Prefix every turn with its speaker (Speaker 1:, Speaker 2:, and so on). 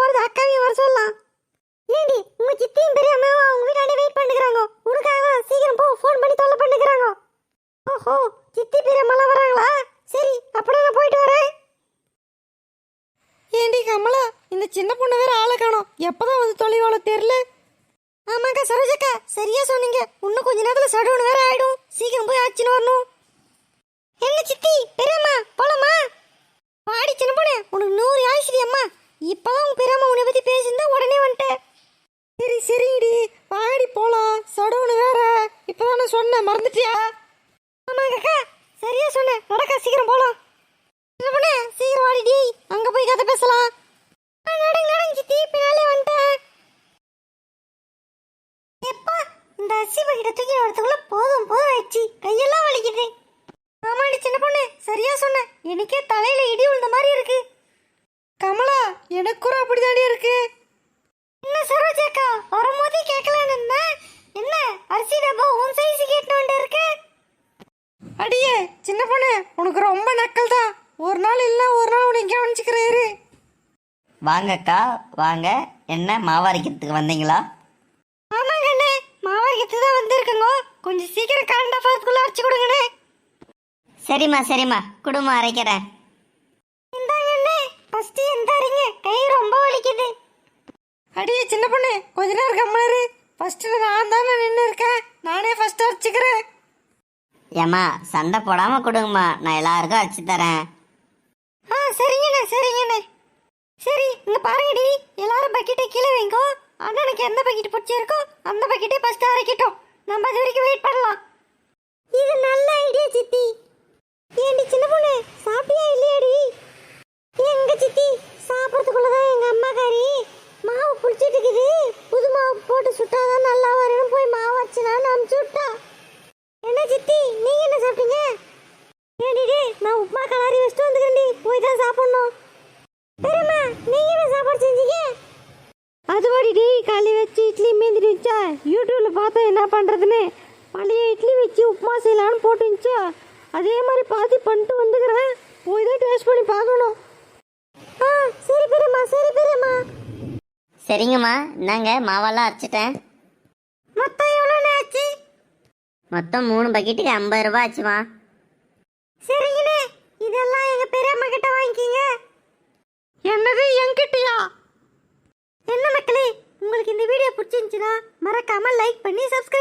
Speaker 1: அம்மாவாவது அக்காவையும் வர சொல்லலாம். ஏண்டி உங்க சித்தியும் பெரியம்மாவும் அவங்க வீட்டாண்ட வெயிட் பண்ணுகிறாங்க. உனக்காக சீக்கிரம் போ, ஃபோன் பண்ணி தொல்லை பண்ணுகிறாங்க. ஓஹோ, சித்தி பெரியம்மாலாம் வராங்களா? சரி, அப்படியே நான் போயிட்டு வரேன்.
Speaker 2: ஏண்டி கமலா, இந்த சின்ன பொண்ணு வேற ஆளை காணோம். எப்பதான் வந்து தொலைவாளோ தெரியல.
Speaker 1: ஆமாக்கா சரோஜக்கா, சரியா சொன்னீங்க. இன்னும் கொஞ்ச நேரத்துல சடவுன்னு வேற ஆயிடும். சீக்கிரம் போய் ஆச்சுன்னு வரணும். என்ன சித்தி பெரியம்மா போலாமா? பாடி சின்ன பொண்ணு, உனக்கு 100 ஆயிடுச்சு அம்மா. இப்பதான் உங்க பெரியம்மா உன்னை பத்தி பேசியிருந்தா உடனே வந்துட்டேன்.
Speaker 2: சரி சரிடி, வாடி போலாம். சடவுன்னு வேற இப்பதானே சொன்னேன், மறந்துட்டியா?
Speaker 1: ஆமாங்கக்கா, சரியா சொன்னேன். நடக்கா, சீக்கிரம் போலாம். சின்ன பொண்ணு சீக்கிரம் வாடிடி, அங்க போய் கதை பேசலாம். நடங்க நடங்க சித்தி, பின்னாலே வந்துட்டேன். எப்பா, இந்த அரிசி பக்கிட்ட தூக்கி வரதுக்குள்ள போதும் போதும் ஆயிடுச்சு. கையெல்லாம் வலிக்குது. ஆமாடி சின்ன பொண்ணு, சரியா சொன்ன. எனக்கே தலையில இடி விழுந்த மாதிரி இருக்கு.
Speaker 2: கமலா, எனக்கு கூட அப்படிதானே இருக்கு.
Speaker 1: என்ன சரோஜாக்கா, வரும்போதே கேட்கலான்னு இருந்தேன். என்ன அரிசி டப்பா உன் சைஸ் கேட்டு இருக்கு?
Speaker 2: அடியே சின்ன பொண்ணு, உனக்கு ரொம்ப நக்கல் தான். ஒரு நாள் இல்லை ஒரு நாள் உனக்கு கவனிச்சுக்கிறாரு.
Speaker 3: வாங்கக்கா வாங்க. என்ன மாவரைக்கிறதுக்கு வந்தீங்களா?
Speaker 1: ஆமாங்க அண்ணே, மாவரைக்கிறதுக்கு தான் வந்திருக்குங்க. கொஞ்சம் சீக்கிரம் கரண்ட் ஆஃப் ஆகிறதுக்குள்ள அரைச்சி கொடுங்கண்ணே.
Speaker 3: சரிம்மா குடும்பம் அரைக்கிறேன்.
Speaker 1: இந்தாங்க அண்ணே, ஃபர்ஸ்ட் எந்தாரிங்க, கை ரொம்ப வலிக்குது.
Speaker 2: அடியே சின்ன பொண்ணு, கொஞ்ச நேரம் கம்மனரு. ஃபர்ஸ்ட் நான் தானே நின்று இருக்கேன், நானே ஃபர்ஸ்ட் அரைச்சிக்கிறேன்.
Speaker 3: ஏம்மா சண்டை போடாம கொடுங்கம்மா, நான் எல்லாருக்கும் அரைச்சி தரேன்.
Speaker 1: சரிங்கண்ணே சரிங்கண்ணே. சரி இங்க பாருங்கடி, எல்லாரும் பக்கெட்டை கீழே வைங்கோ. அண்ணனுக்கு எந்த பக்கெட் பிடிச்சிருக்கோ அந்த பக்கெட்டை ஃபர்ஸ்ட் அரைக்கட்டும். நம்ம அது வரைக்கும் வெயிட் பண்ணலாம். இது நல்ல ஐடியா சித்தி. ஏண்டி சின்ன பொண்ணு, சாப்பிட்டியா இல்லையாடி? எங்க சித்தி, சாப்பிட்றதுக்குள்ளதான் எங்க அம்மாக்காரி மாவு புளிச்சிட்டு இருக்குது. புது மாவு போட்டு சுட்டாதான் நல்லா வரணும், போய் மாவு வச்சுனான்னு அனுப்பிச்சு விட்டா. என்ன சித்தி, நீங்க என்ன சாப்பிட்டீங்க? ஏடிடி, நான் உப்புமா கலாரி வச்சுட்டு வந்துக்கிறேன்டி, போய் தான் சாப்பிடணும். பெரியம்மா, நீங்க என்ன சாப்பாடு செஞ்சீங்க?
Speaker 2: அது வாடிடி, களி வச்சு இட்லி மீந்திருச்சா, யூடியூப்ல பார்த்தா என்ன பண்றதுன்னு பழைய இட்லி வச்சு உப்புமா செய்யலான்னு போட்டுருந்துச்சா, அதே மாதிரி பாதி பண்ணிட்டு வந்துக்கிறேன். போய் தான் டேஸ்ட் பண்ணி பார்க்கணும்.
Speaker 1: சரி பெரியம்மா சரி பெரியம்மா.
Speaker 3: சரிங்கம்மா, இந்தாங்க மாவெல்லாம் அரைச்சிட்டேன்.
Speaker 1: மொத்தம் எவ்வளோ ஆச்சு?
Speaker 3: மொத்தம் 3 பக்கெட்டுக்கு 50 ரூபாய் ஆச்சுமா.
Speaker 1: சரிங்கண்ணே, இதெல்லாம் எங்க பெரியம்மா கிட்ட வாங்கிக்கிங்க.
Speaker 2: என்னது என்கிட்டயா?
Speaker 1: என்ன மக்களே, உங்களுக்கு இந்த வீடியோ பிடிச்சிருந்துச்சுன்னா மறக்காம லைக் பண்ணி சப்ஸ்கிரைப்